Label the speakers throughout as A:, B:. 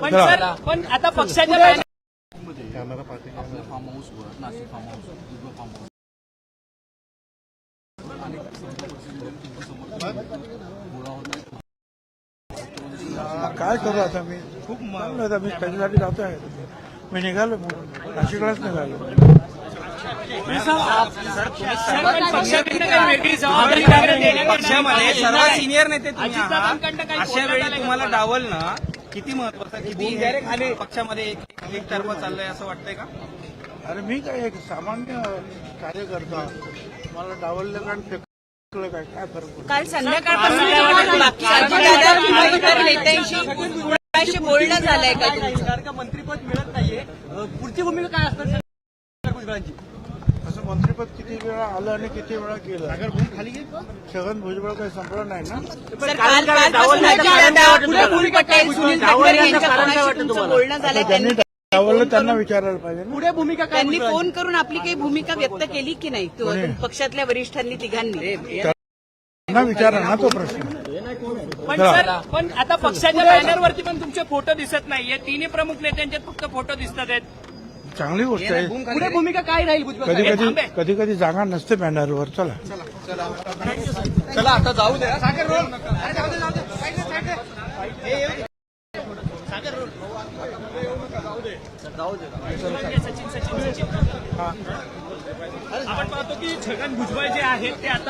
A: पण आता पक्षाच्या
B: फार्म हाऊसवर Nashik farm house farm house
C: काय करू आता मी खूप मारलं आता मी त्याच्यासाठी जातो आहे मी निघालो नाशिकलाच निघालो
D: पक्षामध्ये सर्व सिनियर नेते तुम्ही आहात अशा वेळी तुम्हाला डावलणं किती महत्वाचं किती खाली पक्षामध्ये एकतर्फा चाललंय असं वाटतंय का?
C: अरे मी काय एक सामान्य कार्यकर्ता मला डावललं कारण फेकलं काय काय फरक पडतो
E: काल संध्याकाळपासून नेत्यांशी बोलणं झालंय का तुमचं?
D: मंत्रीपद मिळत नाहीये पुढची भूमिका काय असणार भुजबळांची?
C: असं मंत्रिपद किती वेळा आलं आणि किती वेळा केलं खाली छगन भुजबळ काही संपलं नाही ना
E: बोलणं झालंय त्यांनी
C: डावललं त्यांना विचारायला पाहिजे ना
D: पुढे भूमिका काय?
E: त्यांनी फोन करून आपली काही भूमिका व्यक्त केली की नाही पक्षातल्या वरिष्ठांनी तिघांनी?
C: त्यांना विचारा ना तो प्रश्न
A: पण आता पक्षाच्या बॅनरवरती पण तुमचे फोटो दिसत नाहीये. तिन्ही प्रमुख नेत्यांचे फक्त फोटो दिसत आहेत.
C: चांगली गोष्ट आहे
D: पुढे भूमिका काय राहील भुजबळ?
C: कधी कधी जागा नसते बॅनरवर चला
D: चला आता जाऊ द्या.
A: आपण पाहतो की छगन भुजबळ जे आहेत ते आता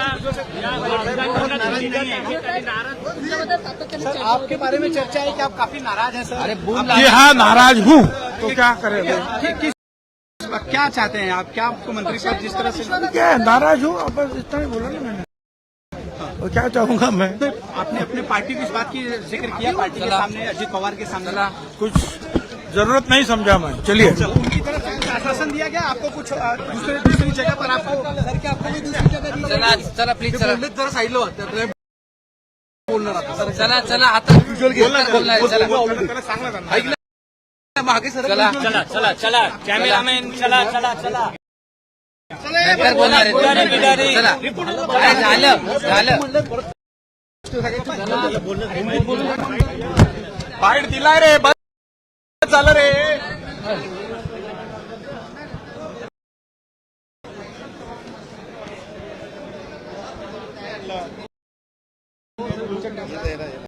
D: आपके बारे में चर्चा है कि आप काफी नाराज हैं सर. अरे
C: जी हाँ नाराज हूँ तो क्या करें
D: क्या चाहते हैं आप? क्या आपको मंत्री साहब जिस तरह से
C: क्या है नाराज हूँ अब बस इतना ही बोला ना मैंने और क्या चाहूंगा मैं
D: आपने अपने पार्टी की इस बात की जिक्र किया पार्टी के सामने अजित पवार के सामने
C: कुछ जरूरत नहीं समझा मैं चलिए
D: उनकी तरफ से आश्वासन दिया गया आपको कुछ दूसरी जगह पर आपको सर क्या आपको भी दूसरी जगह चला प्लीज चला जरा साईडला बोलणार आता चला चला आता मागे सर
A: चला चला चला चला कॅमेरामॅन चला चला चला
D: नंतर बोलणार झालं बाईट दिला रे बस झालं रे